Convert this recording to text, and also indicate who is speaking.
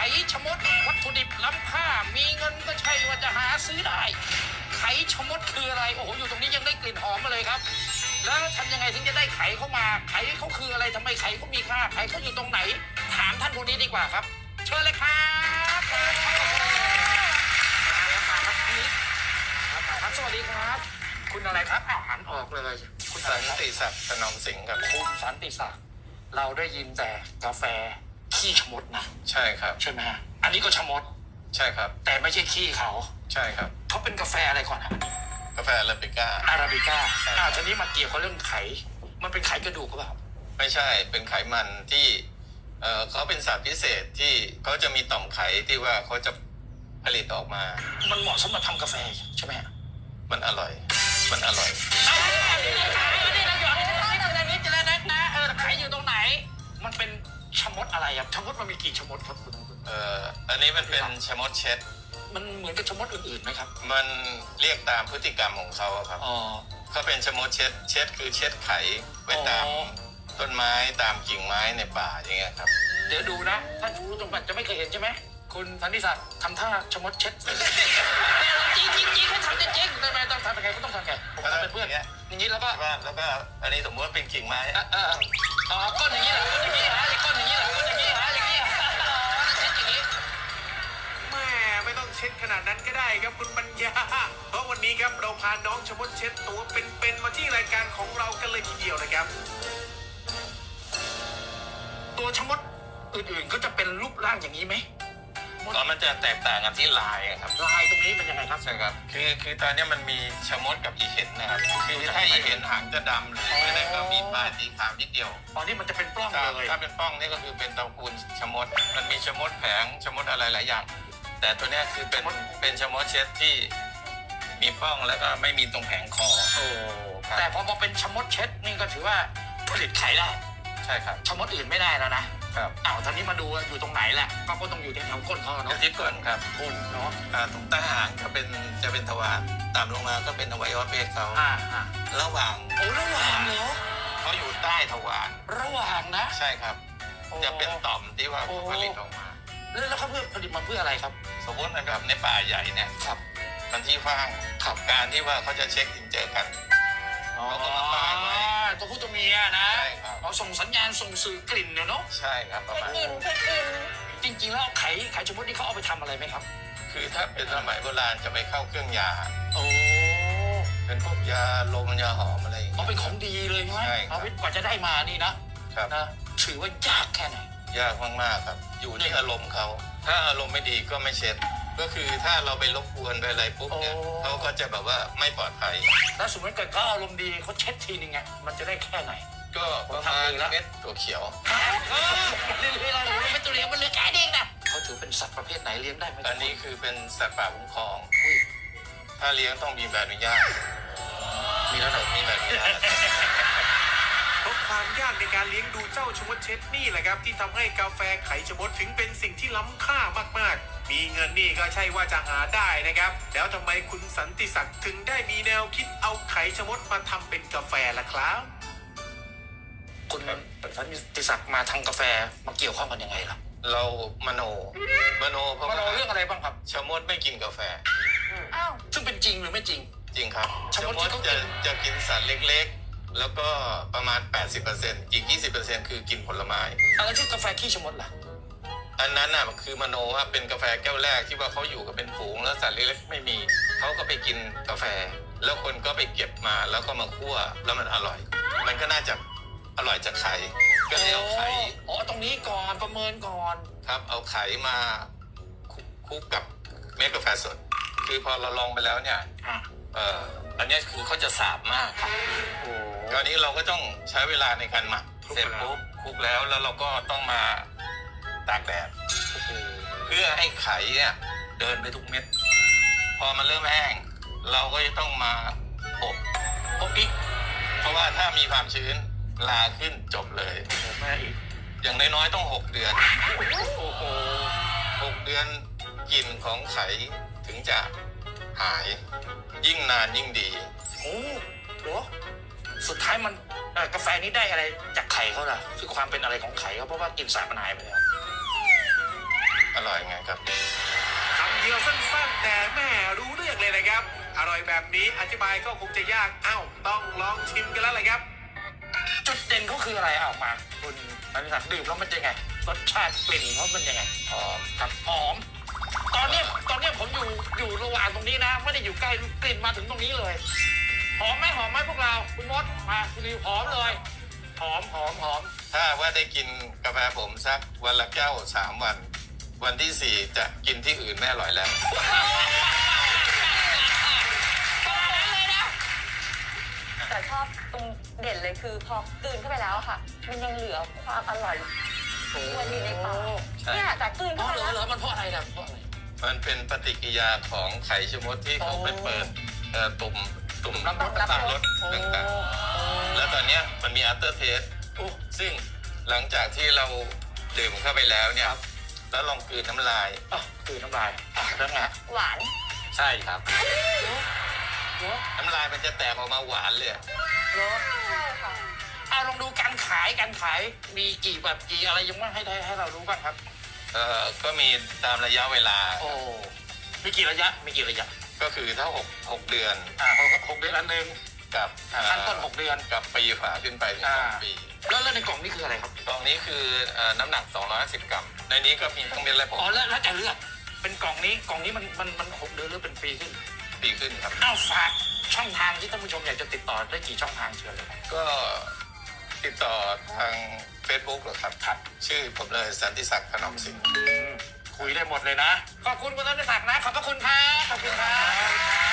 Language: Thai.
Speaker 1: ชะมดวัตถุดิบล้ำค่ามีเงินก็ใช่ว่าจะหาซื้อได้ไข่ชะมดคืออะไรโอ้โหอยู่ตรงนี้ยังได้กลิ่นหอมมาเลยครับแล้วทำยังไงถึงจะได้ไข่เข้ามาไข่เขาคืออะไรทำไมไข่เขามีค่าไข่เขาอยู่ตรงไหนถามท่านคนนี้ดีกว่าครับเชิญเลยครับครับสวัสดีครับคุณอะไรครับอ้าวหันออกเลยคุณ
Speaker 2: สันติศักดิ์ถนอมสิงห์ครับ
Speaker 1: คุณสันติศักดิ์เราได้ยินแต่กาแฟขี้ชะมดนะ
Speaker 2: ใช่ครับ
Speaker 1: ใช่ไหมฮะอันนี้ก็ชะมด
Speaker 2: ใช่ครับ
Speaker 1: แต่ไม่ใช่ขี้เขา
Speaker 2: ใช่ครับ
Speaker 1: เขาเป็นกาแฟอะไรก่อนครับ
Speaker 2: กาแฟอาราบิก้า
Speaker 1: อาราบิก้า
Speaker 2: ใช่ครับ
Speaker 1: ทีนี้มาเกี่ยวกับเรื่องไขมันเป็นไขกระดูกหรือเปล่า
Speaker 2: ไม่ใช่เป็นไขมันที่เขาเป็นสัตว์พิเศษที่เขาจะมีต่อมไขที่ว่าเขาจะผลิตออกมา
Speaker 1: มันเหมาะสำหรับทำกาแฟใช่ไหมฮะ
Speaker 2: มันอร่อย มันอร่อย
Speaker 1: นี่เราหยอดในนี้จะแล้วนะไขอยู่ตรงไหน มันเป็นชะมดอะไรครับชะมดมันมีกี่ชะมดครับคุณ
Speaker 2: อันนี้มันเป็นชะมดเช็ด
Speaker 1: มันเหมือนกับชะมดอื่นๆไหมครับ
Speaker 2: มันเรียกตามพฤติกรรมของเขาอะครับ
Speaker 1: อ๋อ
Speaker 2: เขาเป็นชะมดเช็ด เช็ดคือเช็ดไขไว้ตาม
Speaker 1: อ๋อ
Speaker 2: ต้นไม้ตามกิ่งไม้ในป่าอย่างเงี้ยครับ
Speaker 1: เดี๋ยวดูนะถ้ารู้ตรงกันจะไม่เคยเห็นใช่ไหมคุณสันติศักดิ์ทำท่าชะมดเช็ดจริงให้ทำจริงทำไมต้องทำยังไงก็ต้องทำไงผมทำเป็นเพื่อนอย่างนี้แล้วก็
Speaker 2: แล้วก็อันนี้สมมติว่าเป็นกิ่งไม้
Speaker 1: ก้นอย่างนี้เหรอก้นอย่างนี้ฮะก้นอย่างนี้เหรอก้นอย่างนี้ฮะอย่างนี้เช็ดอย่างนี้
Speaker 3: แม่ไม่ต้องเช็ดขนาดนั้นก็ได้ครับคุณปัญญา เพราะวันนี้ครับเราพาน้องชะมดเช็ดตัวเป็นๆมาที่รายการของเรากันเลยทีเดียวนะครับ
Speaker 1: ตัวชะมดอื่นๆก็จะเป็นรูปร่างอย่างนี้ไหม
Speaker 2: ก็มันจะแตกต่างกันที่ลายอะครับ
Speaker 1: ลายตรงนี้เป็นยังไงครับ
Speaker 2: ใช่ครับ คือตอนนี้มันมีชะมดกับอีเห็นนะครับ คือถ้าอีเห็นหางจะดำหรือไม่ได้ก็มีปลายสีขาวนิดเดียว
Speaker 1: ตอนนี้มันจะเป็นปล้อง
Speaker 2: ถ้า
Speaker 1: เลย
Speaker 2: ถ้าเป็นป้องนี่ก็คือเป็นตระกูลชะมด มันมีชะมดแผงชะมดอะไรหลายอย่าง แต่ตัวเนี้ยคือเป็นชะมดเช็ดที่มีป้องแล้วก็ไม่มีตรงแผงคอ
Speaker 1: โอ้แต่พอมาเป็นชะมดเช็ดนี่ก็ถือว่าผลิตไข่ได้
Speaker 2: ใช่ครับ
Speaker 1: ชะมดอื่นไม่ได้แล้วนะครับ อ้าวตอนนี้มาดูอยู่ตรงไหนแหละก็ต้องอยู่แถวก้นเขา
Speaker 2: เดี๋ย
Speaker 1: เนาะ
Speaker 2: วที่ก้นครับ
Speaker 1: ก้นเนาะ
Speaker 2: ตรงใต้หางจะเป็นทวารตามลงมาก็เป็นอวัยวะเพศเขา ระหว่าง
Speaker 1: โอ้ระหว่างเหรอ
Speaker 2: เขาอยู่ใต้ทวาร
Speaker 1: ระหว่างนะ
Speaker 2: ใช่ครับ จะเป็นต่อมที่ว่าผลิตออกมา
Speaker 1: แล้วเขาเพื่อผลิตมาเพื่ออะไรครับ
Speaker 2: สมมตินะครับในป่าใหญ่เนี่ย
Speaker 1: ครับ
Speaker 2: มันที่ว่างขับการที่ว่าเขาจะเช็คอินเจอกัน เขาก็มาป้ายไว้
Speaker 1: ตัวผู้ตัวเมียนะ
Speaker 2: ใช่ครับ
Speaker 1: เราส่งสัญญาณส่งสื่อกลิ่นเนาะ
Speaker 2: ใช่ครับประมาณ
Speaker 4: เช็คอิน
Speaker 1: จริงๆแล้วไข่ชะมดนี่เขาเอาไปทำอะไรไหมครับ
Speaker 2: คือถ้าเป็นสมัยโบราณจะไปเข้าเครื่องยา
Speaker 1: โอ้
Speaker 2: เป็นพวกยาลมยาหอมอะไรอย่าง
Speaker 1: เอา
Speaker 2: เงี้ย
Speaker 1: เป็นของดีเลยใช่ไหม
Speaker 2: ใช่ครับ
Speaker 1: เอาไปกว่าจะได้มานี่นะครับ ถือว่ายากแค่ไหน
Speaker 2: ยากมากๆครับ อยู่ที่อารมณ์เขา ถ้าอารมณ์ไม่ดีก็ไม่เช็ด ก็คือถ้าเราไปรบกวนไปอะไรปุ๊บเนี่ยเขาก็จะแบบว่าไม่ปลอดภัย
Speaker 1: แล้วสมมติเกิดเขาอารมณ์ดีเขาเช็ดทีนึงไงมันจะได้แค่ไหน
Speaker 2: ก็ประมาณเม็ดตัวเขียว
Speaker 1: เรื่อยๆเราไม่ตัวเลี้ยงมันเหลือแค่นี้นะเขาถือเป็นสัตว์ประเภทไหนเลี้ยงได้ไหม
Speaker 2: อันนี้คือเป็นสัตว์ป่าคุ้มครอง
Speaker 1: อุ้ย
Speaker 2: ถ้าเลี้ยงต้องมีใบอนุญาต
Speaker 1: มีแล้วเหรอ
Speaker 2: มีใบอนุญาต
Speaker 3: เพราะความยากในการเลี้ยงดูเจ้าชะมดเช็ดนี่แหละครับที่ทำให้กาแฟไข่ชะมดถึงเป็นสิ่งที่ล้ำค่ามากๆ มีเงินนี่ก็ใช่ว่าจะหาได้นะครับ แล้วทำไมคุณสันติศักดิ์ถึงได้มีแนวคิดเอาไข่ชะมดมาทำเป็นกาแฟล่ะครับ
Speaker 1: คุณสันติศักดิ์มาทางกาแฟมาเกี่ยวข้องกันยังไงล่ะ
Speaker 2: เรามโนเพราะ
Speaker 1: มา
Speaker 2: ว่า
Speaker 1: เราเรื่องอะไรบ้างครับ
Speaker 2: ชะมดไม่กินกาแฟ
Speaker 4: อ้าว
Speaker 1: ซึ่งเป็นจริงหรือไม่จริง
Speaker 2: จริงครับ
Speaker 1: ชะ
Speaker 2: ชะ
Speaker 1: มด
Speaker 2: ม
Speaker 1: ที่
Speaker 2: ด
Speaker 1: เขากิน
Speaker 2: จะกินสัตว์เล็กๆ แล้วก็ประมาณ 80%อีก 20%คือกินผลไม้
Speaker 1: อะไรที่กาแฟขี้ชะมดล่ะ
Speaker 2: อันนั้นน่ะคือมโนว่าเป็นกาแฟแก้วแรกที่ว่าเขาอยู่กันเป็นฝูงแล้วสัตว์เล็กๆไม่มี เขาก็ไปกินกาแฟ แล้วคนก็ไปเก็บมาแล้วก็มาคั่วแล้วมันอร่อย มันก็น่าจะอร่อยจากไข่ก็เลยเอาไข่
Speaker 1: อ๋อตรงนี้ก่อนประเมินก่อน
Speaker 2: ครับเอาไข่มาคลุกกับเม็ดกาแฟสด คือพอเราลองไปแล้วเนี่ย
Speaker 1: อ่ะ
Speaker 2: อันเนี้ยคือเขาจะสาบมากครับ
Speaker 1: โอ้
Speaker 2: คราวนี้เราก็ต้องใช้เวลาในการหมักเสร็จปุ๊บคลุกแล้วเราก็ต้องมาตากแดด
Speaker 1: โห
Speaker 2: เพื่อให้ไข่เนี่ยเดินไปทุกเม็ด พอมันเริ่มแห้ง เราก็จะต้องมาอบ
Speaker 1: อบอีก
Speaker 2: เพราะว่าถ้ามีความชื้นลาขึ้นจบเลย
Speaker 1: โอ้แม่อีก
Speaker 2: อย่างน้อยๆต้อง6 เดือน
Speaker 1: โอ้โห
Speaker 2: 6 เดือนกลิ่นของไข่ถึงจะหาย ยิ่งนานยิ่งดี
Speaker 1: โอ้โหสุดท้ายมันกาแฟนี้ได้อะไรจากไข่เขาล่ะคือความเป็นอะไรของไข่เขาเพราะว่ากลิ่นสาบมันหายไปแล้ว
Speaker 2: อร่อยไงครับ
Speaker 3: คำเดียวสั้นๆแต่แม่รู้เรื่องเลยนะครับ อร่อยแบบนี้อธิบายก็คงจะยากต้องลองชิมกันแล้วเลยครับ
Speaker 1: จุดเด่นเขาคืออะไรเอามาคุณนันทิศักดิ์ดื่มแล้วมันจะไงรสชาติกลิ่นเขาเป็นยังไง
Speaker 2: หอม
Speaker 1: ครับหอม ตอนเนี้ยผมอยู่ระหว่างตรงนี้นะไม่ได้อยู่ใกล้กลิ่นมาถึงตรงนี้เลยหอมไหมพวกเราคุณมดมาคุณนิวหอมเลยหอม
Speaker 2: ถ้าว่าได้กินกาแฟผมสักวันละแก้ว3 วัน วันที่ 4จะกินที่อื่นไม่อร่อยแล้ว
Speaker 4: แต่ชอบตรงเด่นเลยคือพอกลืนเข้าไปแล้วอะค่ะ มันยังเหลือความอร่อยวนอยู่ในปาก
Speaker 2: ใช่
Speaker 4: เนี่ยจากกลืน
Speaker 1: เพ
Speaker 4: เข้า
Speaker 1: ราะ
Speaker 4: ไป
Speaker 1: เหร
Speaker 4: แล้
Speaker 1: อ
Speaker 4: ว
Speaker 1: มันเพราะอะไรนะเพราะอะไร
Speaker 2: มันเป็นปฏิกิริยาของไข่ชะมดที่เขาไปเปิดตุ่ม
Speaker 1: น้ำรส
Speaker 2: ต่าง
Speaker 1: ๆ
Speaker 2: รสต่างๆ แล้วตอนเนี้ยมันมี after taste
Speaker 1: โอ้
Speaker 2: ซึ่งหลังจากที่เราดื่มเข้าไปแล้วเนี่ยแล้วลองกลืนน้ำลาย
Speaker 1: คือน้ำลายแล้วไง
Speaker 4: หวาน
Speaker 2: ใช่ครับ น้ำลายมันจะแตกออกมาหวานเลย
Speaker 4: ใช่ค่ะ
Speaker 1: เอาลองดูการขายมีกี่แบบกี่อะไรยังไม่ให้เรารู้บ้างครับ
Speaker 2: ก็มีตามระยะเวลา
Speaker 1: โอ้มีกี่ระยะ
Speaker 2: ก็คือถ้า6 เดือน
Speaker 1: หกเดือนอันหนึ่ง
Speaker 2: กับ
Speaker 1: ขั้นต้น6 เดือน
Speaker 2: กับปีฝาขึ้นไปถึง2 ปี
Speaker 1: แล้วในกล่องนี้คืออะไรครับ
Speaker 2: กล่องนี้คือน้ำหนัก250 กรัม ในนี้ก็มีทั้งเม็ดและผ
Speaker 1: อ๋อง แล้วแต่เลือกเป็นกล่องนี้มัน6 เดือนหรือเป็นปีขึ้น
Speaker 2: ปีขึ้นครับ
Speaker 1: อ้าวฝากช่องทางที่ท่านผู้ชมอยากจะติดต่อได้กี่ช่องทางเชิญเลยครับ
Speaker 2: ก็ติดต่อทาง Facebook เหรอครับ
Speaker 1: ครับ
Speaker 2: ชื่อผมเลยสันติศักดิ์ถนอมสิงห์
Speaker 1: คุยได้หมดเลยนะ ขอบคุณคุณธนศักดิ์นะ ขอบพระคุณครับขอบคุณครับ